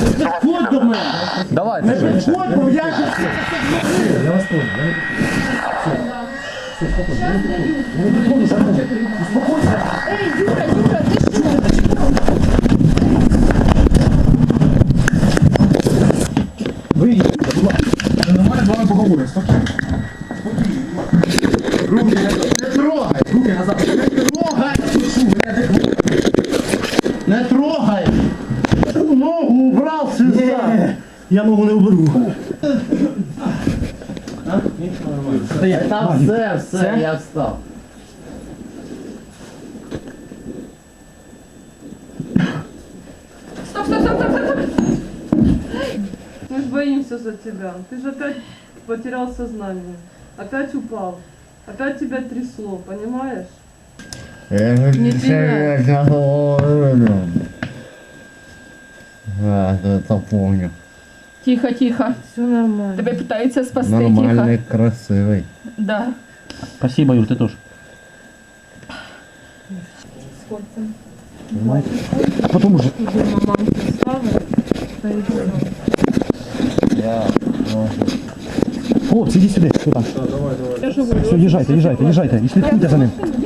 підходь до мене. Давай, Не підходь, бо я ж... Я вас понял. Эй, Юра, Юра, ты что? Вийдіть, будь ласка. Нормально з вами поговоримо. Спокійно. Руки не трогай. Руки назад. Не трогай! Не трогай! Ногу убрав сюди! Я ногу не уберу. Та все, я встав. Стоп, стоп, стоп, стоп, стоп! Мы ж боимся за тебя. Ты же опять потерял сознание. Опять упал. Опять тебя трясло, понимаешь? Не это помню. Тихо, тихо. Все нормально. Тебя пытаются спасти, Нормальный, тихо. красивый. Да. Спасибо, Юр, ты тоже. А потом уже. Маманка Славы стоит дома. Я Хлопці, іди сюди. Хто там? Я же говорю, Все, їжджайте, їжджайте, їжджайте. І слідкуйте за ним.